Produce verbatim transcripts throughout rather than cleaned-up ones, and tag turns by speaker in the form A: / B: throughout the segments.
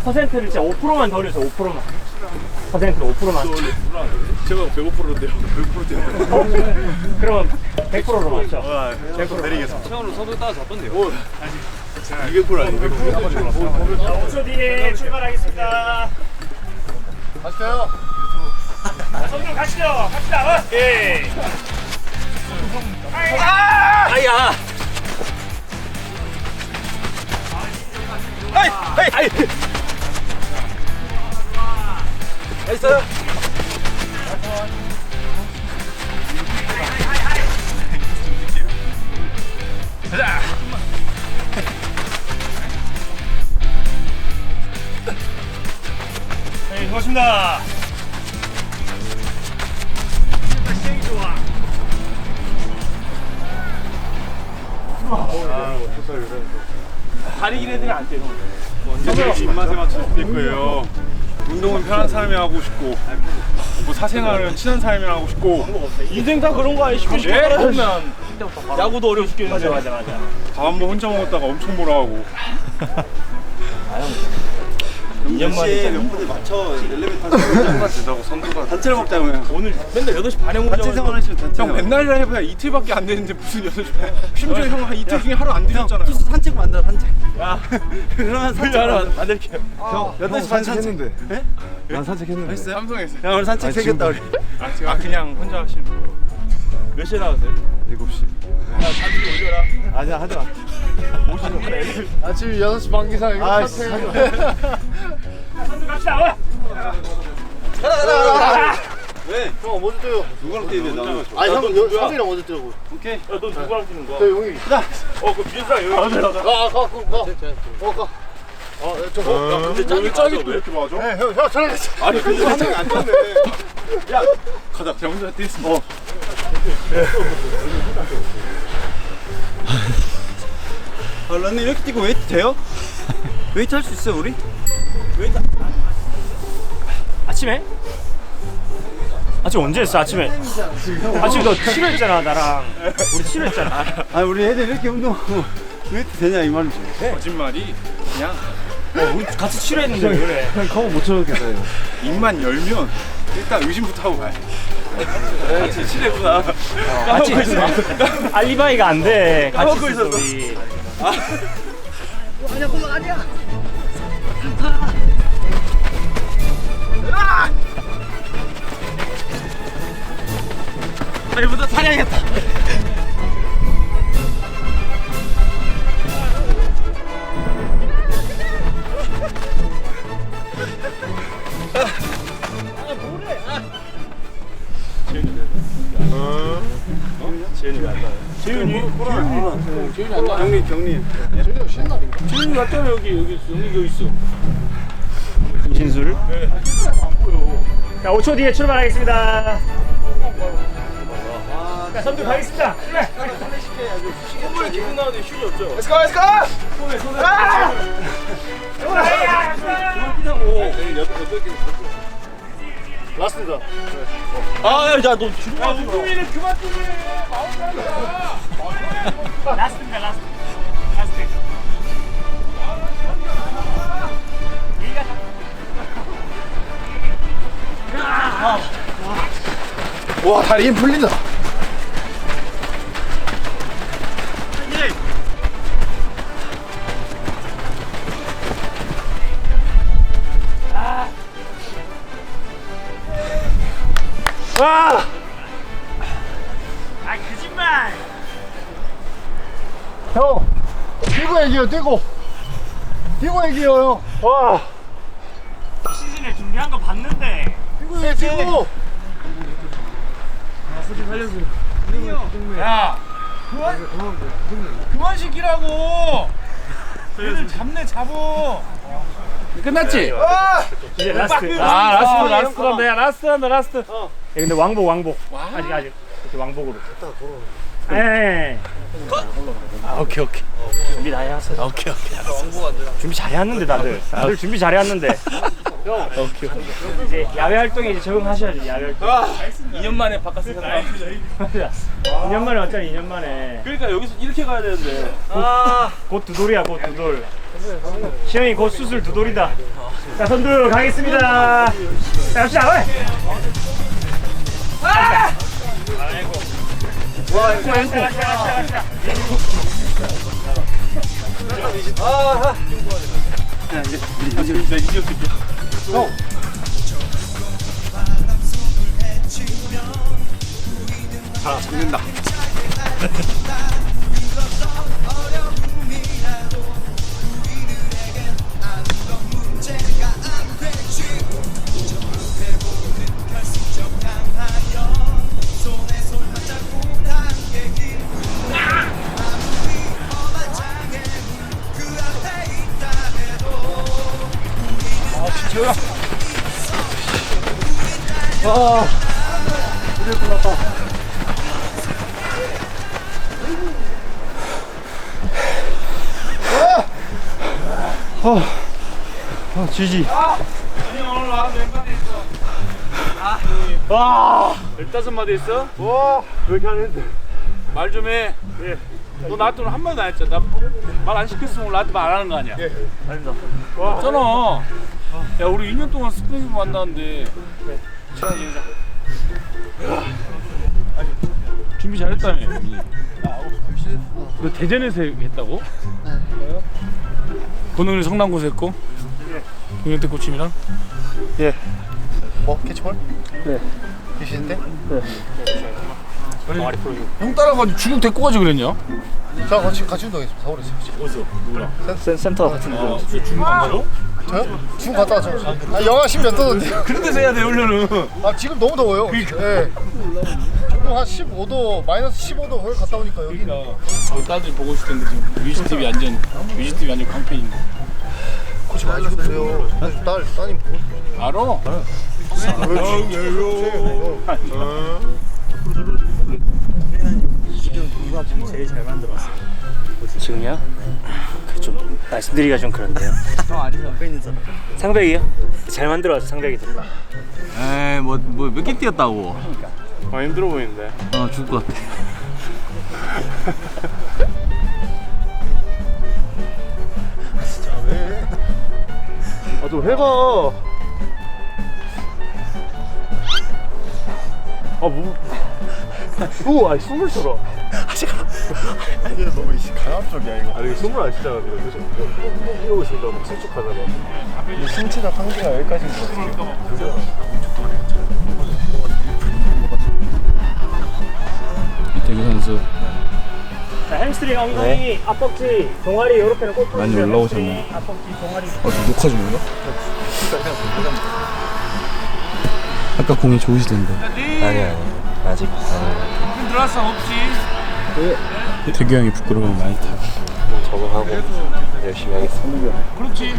A: 퍼센트를 진짜 오 퍼센트만 더 올려서 오 퍼센트만. 퍼센트로 오 퍼센트만.
B: 제가 백오 퍼센트인데요. 백 퍼센트요.
A: 그러면 백 퍼센트로 맞죠?
B: 백 퍼센트 내리겠습니다.
C: 처음으로 선수 따라 잡던데요.
B: 이백 퍼센트 아니에요? 백 퍼센트.
A: 오 초 뒤에 출발하겠습니다.
B: 가시죠.
A: 선수 가시죠. 갑시다. 오케이. 아야. 아이, 아이, 아이.
C: 나이스.
A: 가자. 네, 고맙습니다. 시행이 좋아. 다리 길 애들이 안 돼요.
B: 언제든지 입맛에 맞춰서 될 거예요. 운동은 편한 사람이 하고 싶고, 뭐 사생활은 친한 사람이 하고 싶고.
A: 인생 다 그런 거 아니야? 쉽게 쉽게
B: 예?
A: 하면 야구도 어려워 죽겠는데. 맞아 맞아 맞아.
B: 밥 한 번 혼자 먹었다가 엄청 뭐라 하고.
D: 이 년 만에 몇 분에 맞춰 엘리베이터 타고
B: 된다고 선두가.
D: 단체로 먹자고요.
A: 오늘 맨날 여덟 시 반에 오자.
D: 단체 생활하시면 단체.
B: 형 맨날이라 해봐야 이틀밖에 안 되는데 무슨 여섯 시. 심지어 형 한 이틀 중에 하루 안 들렸잖아요.
D: 투수 산책 만들어 산책.
A: 야,
D: 그러면 산책
A: 하나 만들게요.
D: 형 여덟 시 반 산책했는데. 예?
C: 난 산책했는데.
B: 했어요? 삼성에서.
D: 야 오늘 산책 생겼다 우리.
B: 아, 제가 그냥 혼자 하시는 거.
A: 몇 시에 나왔어요?
C: 일곱 시.
A: 야, 잔디 올려라.
C: 아니야, 하지 마.
B: 아침 여섯 시 반 기상 이거
C: 아,
A: 선수 갑시다. 어?
D: 가라 가라 가라. 왜?
E: 형 먼저 뛰어요.
D: 누구랑 뛰면 나는?
E: 아니 형 형이랑 먼저 뛰라고.
D: 오케이.
A: 야, 너 누구랑 뛰는 거야?
E: 저 형이.
A: 어, 그 비슷한 여기.
E: 가, 가, 가, 가. 어, 가. 어, 저, 어, 야, 근데
B: 왜 짝이 또 이렇게 맞아?
E: 네, 형, 형, 저랑 같이.
B: 아니 근데 한명이 안 떴네. 야 가자. 제가 혼자 뛰겠습니다. 어.
D: 아 런닝 이렇게 뛰고 웨이트 돼요? 웨이트 할 수 있어요 우리?
A: 왜? 아침에? 아침 언제 했어? 아침에? 아침에 너 치료했잖아 나랑. 우리 치료했잖아.
D: 아 우리 애들 이렇게 운동하고 웨이트 되냐 이 말이지.
B: 거짓말이 그냥
A: 어, 우리 같이 치료했는데 왜 그래?
C: 형 커버 못 쳐놓겠어요.
B: 입만 열면 일단 의심부터 하고 가야 돼.
D: 같이 친했구나.
A: 같이 알리바이가 안 돼. 같이
D: 까먹고
A: 있었어
D: 있었어.
A: 우리.
D: 아니야 그건 아니야. 내일부터 사냥했다.
A: 재윤이 왜 안 나요? 재윤이?
D: 재윤이 안 나. 경리 경리.
A: 재윤이 왔잖아 여기 여기 있어. 여기 여기 있어. 김신술? 네. 자, 오 초 뒤에 출발하겠습니다. 자, 선두 가겠습니다. 출발.
D: 손을 기분 나는데 휴지 없죠?
A: Let's go, let's go. 손에 손에. 아! 야,
E: 라스트다.
D: 아야너 주로
A: 야, 우주민은 그만 좀 해. 마음대로. 라스트입니다, 라스트. 라스트.
E: 와, 다리 힘 풀린다.
A: 와! 아, 거짓말!
E: 형, 뛰고 얘기해요, 뛰고. 뛰고 얘기해요, 형. 와,
A: 시즌에 준비한 거 봤는데.
E: 뛰고 얘기해, 뛰고.
C: 야! 그만, 그만 시키라고! 얘들 잡네, 잡어! 끝났지?
A: 이제 라스트.
C: 아, 라스트, 라스트란다, 야, 라스트란다, 라스트.
A: 야, 근데 왕복, 왕복. 아직, 아직. 이렇게 왕복으로. 예. 아, 오케이, 오케이. 준비 다 해왔어. 오케이, 오케이. 준비 잘해왔는데, 다들. 다들 준비 잘해왔는데. 오케이, 오케이. 이제 야외 활동에 이제 적응하셔야죠, 야외 활동.
C: 이 년 만에 바꿨으니까.
A: 이 년 만에 왔잖아. 이 년 만에.
C: 그러니까 여기서 이렇게 가야 되는데.
A: 곧 두 돌이야. 곧 두 돌. 시영이 곧 수술 두 돌이다. 자, 선두 가겠습니다. 자, 갑시다. 어이. 아! 아이고. 와, 아이고.
C: 아, 이제 이제 이제 이제 형. 아, 잡는다.
E: 아, 이제 끝났다. 아, 아, 지지.
C: 오늘 와서 몇 마디 있어?
A: 와.
C: 열다섯 마디 있어?
E: 와, 왜 이렇게 안 했는데?
C: 말 좀 해.
A: 예.
C: 너 나한테 오늘 한 마디도 안 했잖아. 말 안 시켰으면 오늘 나한테 말 안 하는 거 아니야?
E: 예.
A: 아닙니다.
C: 없잖아. 야, 우리 이 년 동안 스프링 만났는데. 친하게 지내자. 준비 잘했다며. 너 대전에서 했다고? 네. 권웅이 성남고에서 했고. 동현태 코치님이랑.
A: 예.
E: 뭐, 캐치볼?
A: 네.
E: 계시는데?
A: 동아리 프로.
C: 형 따라가지고 중국 데리고 가지 그랬냐?
E: 저 같이, 같이 운동했습니다. 서울에서.
C: 어디서? 누구랑?
A: 센 센터 같은 거.
C: 중국 안 가죠?
E: 저요? 지금 갔다 왔죠. 아, 영하 십 몇 도던데요.
C: 그런 데서 해야 돼, 훈련은.
E: 아, 지금 너무 더워요. 예. 지금 한 십오 도, 마이너스 십오 도 거기 갔다 오니까 여기.
C: 그러니까 우리 딸들이 보고 있을 텐데 지금 뮤직티비 완전 뮤직티비 완전 깡패인데.
E: 코치 많이 주세요. 딸, 따님 보고 싶어.
C: 알아?
A: 지금 누가 제일 잘 만들었어? 지금요? 좀 말씀드리기가 좀 그런데요. 형 아니면 상백이요? 잘 만들어왔어 상백이들.
D: 에이 뭐뭐 몇 개 뛰었다고.
B: 아 힘들어 보이는데.
D: 어 죽을 것 같아.
E: 아, 좀 해봐.
A: 아 뭐? 오, 아 숨을 쉬어.
E: 이게 너무 강압적이야, 이거.
B: 아 이거 숨을 안 쉬잖아 지금. 그래서 이러고 있으니까 막 수축하잖아.
E: 이 신체적 한계가 여기까지인 것 같아.
C: 이태규 선수
A: 자, 햄스트링, 엉덩이, 앞벅지, 동아리 이렇게는 꼭
C: 많이
A: 풀어주세요.
C: 올라오셨네.
A: 햄스트링, 앞벅지, 동아리.
C: 어, 저 녹화 중인가? 아까 공이 좋으시던데.
A: 아니 아니 아직 아니.
C: 들어왔어 없지. 태규 형이 부끄러우면 많이 타.
A: 적응하고 열심히 하겠습니다.
C: 그렇지.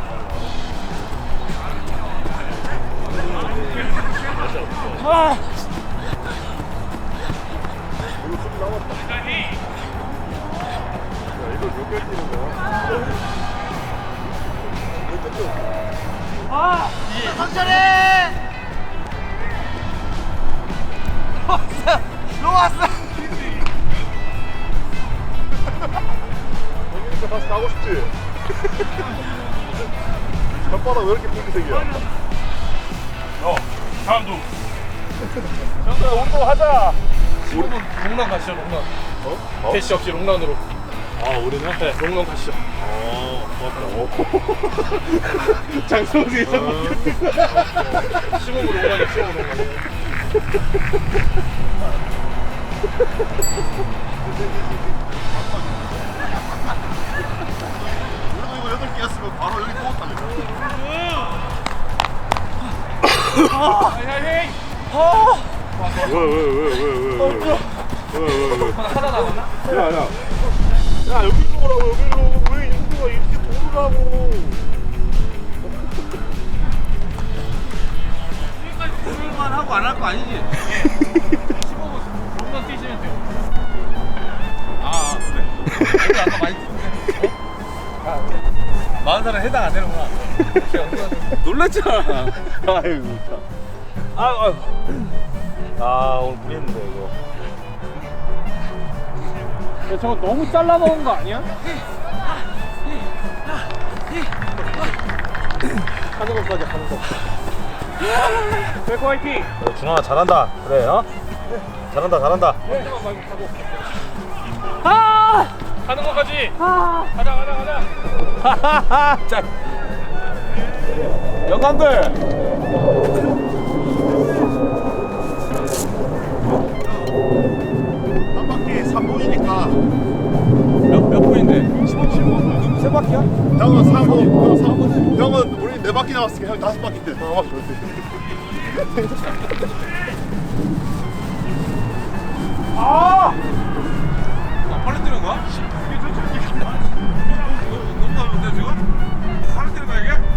B: 다시 가고 싶지? 혓바닥 왜 이렇게 핑크색이야?
C: 어, 다음도.
B: 형들 운동하자!
C: 우리 롱런 가시죠, 롱런. 어? 캐시 없이 롱런으로.
B: 아 우리는?
C: 네, 롱런 가시죠.
B: 어 고맙다. 장성수 이상
C: 십오분 롱런이야, 십오분 롱런.
E: 우리도 이거 여덟 개였으면 바로 여기 뽑았다니까.
B: 왜왜왜왜왜왜왜왜왜 하나 남았나? 야야 야 여기 오라고 여기로 왜 인구가 이렇게 도르라고
C: 지금까지 고를만 하고 안 할 거 아니지? 십오분 롱런 뛰시면 돼요. 아, 그래. 이거 아까 많이 뛰는데. 어? 마흔 살은 해당 안 되는구나. 놀랐잖아.
B: 아이고 참. 아, 아, 아 오늘 무리했는데 이거.
C: 야, 저거 너무 잘라 먹은 거 아니야? 하는 것까지 하는 거. 백호 화이팅!
D: 준아 잘한다. 그래 어? 잘한다 잘한다.
C: 아! 하는 것까지. 아! 가자 가자 가자.
D: 하하하. 자. 영감들.
E: 한 바퀴 삼 분이니까
D: 몇, 몇 분인데? 십오, 십오? 세 바퀴야?
E: 형은 삼 분, 형은 삼 분. 형은 우리 네 바퀴 남았으니까 형 다섯 바퀴인데. 어,
C: 아! 나 팔을 때리는 거야? 이게 좋지. 너무 가는데 지금? 팔을 때리는 거야 이게?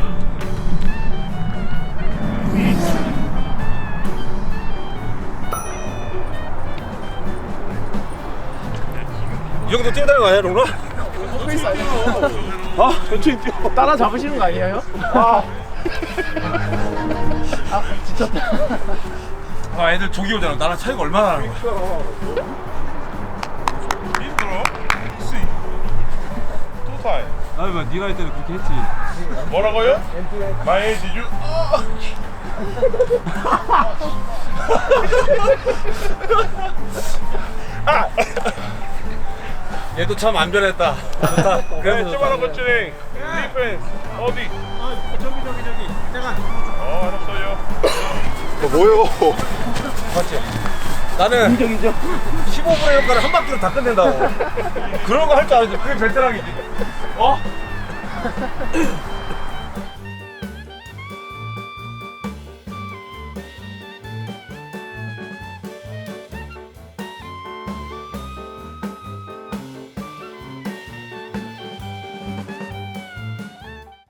D: 이 정도 뛰어다니는 거 아니야, 롱라? 어? 천천히 뛰어.
E: 따라 잡으시는 거 아니에요? 아, 아 지쳤다.
C: 아 애들 조기 오잖아. 나랑 차이가 얼마나 나는 거야?
B: 힘들어? 혹시 또 타임
C: 아니 뭐 네가 할 때는 그렇게 했지.
B: 뭐라고요? 마이 지주
D: 얘도 참 안 변했다. 좋다. 그래도 좋다.
B: 조만한 것들이 디펜스 어디?
C: 저기 저기 저기. 잠깐.
B: 어 알았어요.
E: 어, 뭐요?
D: 맞지? 나는 인정 인정. 십오 분의 효과를 한 바퀴로 다 끝낸다고. 그런 거 할 줄 알지. 그게 베테랑이지. 어?